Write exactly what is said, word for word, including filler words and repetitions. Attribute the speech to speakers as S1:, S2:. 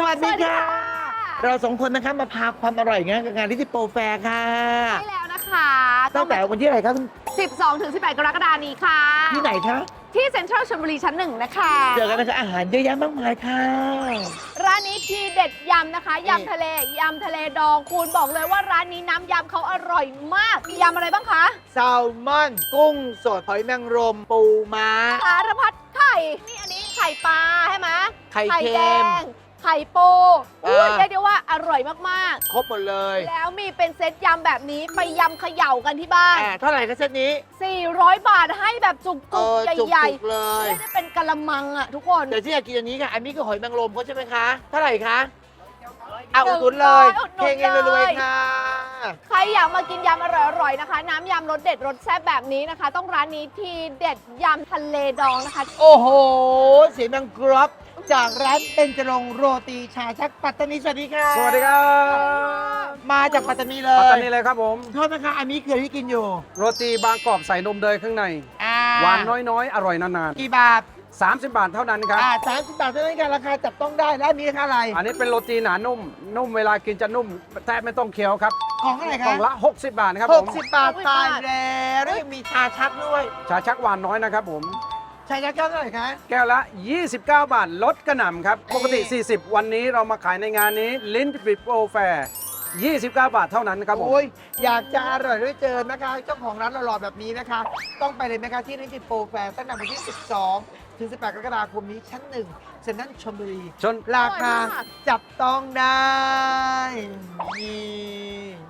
S1: วัสดีค่ะ เราสองคนนะคะมาพาความอร่อยงานกับงานลิทิโปรแฟร์ค่ะ
S2: ใช่แล้วนะคะ
S1: ตั้งแต่วันที่อะไรครับ
S2: สิบสองถึงสิบแปด กรกฎาคมนี้ค่ะ
S1: ที่ไหนคะ
S2: ที่เซ็นทรัลชลบุรีชั้นหนึ่งนะคะ
S1: เจอกันนะคะอาหารเยอะแยะมากมายค่ะ
S2: ร้านนี้ทีเด็ดยำนะคะยำทะเลยำทะเลดองคุณบอกเลยว่าร้านนี้น้ำยำเขาอร่อยมากมียำอะไรบ้างคะ
S1: แซลมอน กุ้งสดหอยนางรม ปูม้า
S2: สารพัดไข่ นี่อันนี้ไข่ปลาใช่ไหม
S1: ไข่เค็ม
S2: แดงไข่ปูอุ้ย
S1: อ่า
S2: เรียกได้ว่าอร่อยมาก
S1: ครบหมดเลย
S2: ๆ แล้วมีเป็นเซตยำแบบนี้ไปยำเขย่ากันที่บ้าน
S1: อ่าเท่าไหร่คะเซตนี้
S2: สี่ร้อย บาทให้แบบจุ
S1: เอก อ
S2: ๆ
S1: จุก
S2: ใหญ่
S1: ๆเลย
S2: ๆไม่ได้เป็นกะละมังอะทุกคน
S1: แต่ที่อยากกินอันนี้ค่ะ อันนี้คือหอยนางรมเขาใช่ไหมคะ เท่าไหร่คะเอาอุดหนุนเลย
S2: อุดหนุน
S1: เพลงเองรวย
S2: เลย
S1: ๆค่ะ
S2: ใครอยากมากินยำอร่อยๆนะคะ น้ำยำรสเด็ดรสแซ่บแบบนี้นะคะ ต้องร้านนี้ทีเด็ดยำทะเลดองนะคะ
S1: โอ้โห เสียงดังกรอบจากร้านเบญจรงค์โรตีชาชักปัตตานีสวัสดีค่ะ
S3: สวัสดีครับ
S1: มาจากปัตตานีเล
S3: ปัต
S1: ย
S3: ตานีเลยครับผม
S1: โทษนะคะอันนี้คือที่กินอยู่
S3: โรตีบางกรอบใส่นมเนยข้างใน
S1: อ่า
S3: หวานน้อยๆ อร่อยนาน
S1: กี่บาท
S3: ๆ สามสิบบาทเท่านั้นครับ
S1: อ่าสามสิบบาทเท่านั้นกันราคาจับต้องได้แล้วอันนี้ราคาอะไร
S3: อันนี้เป็นโรตีหนานุ่ม นุ่มเวลากินจะนุ่มแทบไม่ต้องเคี้ยวครับ
S1: ของอะไร
S3: ก
S1: คะ
S3: ล่องละ หกสิบบาทครับ
S1: ห
S3: ผ
S1: ก
S3: ม
S1: สิบบาท
S2: หกสิบ
S1: ตาย
S2: บาท
S1: แล้วแล้วยังมีชาชักด้วย
S3: ชาชักหวานน้อยนะครับผม
S1: ชาชักแก้วเท่าไหร่คะ
S3: แก้วละ ยี่สิบเก้า บาท ลดกระหน่ำครับ ปกติ สี่สิบ วันนี้เรามาขายในงานนี้ลิ้นปิดโปรแฟร์ยี่สิบเก้า บาทเท่านั้นครับผม
S1: โอ้ยอยากจะอร่อยด้วยเจอนะคะเจ้าของร้านหล่อๆแบบนี้นะคะ ต้องไปเลยนะคะที่นิติโปรแฟร์ตั้งแต่วันที่ สิบสอง ถึง สิบแปด กรกฎาคมนี้ชั้นหนึ่งเซ็นทรัลชลบุรี
S3: ชน
S1: ราคา
S2: อร่อยมาก
S1: จับต้องได้นี่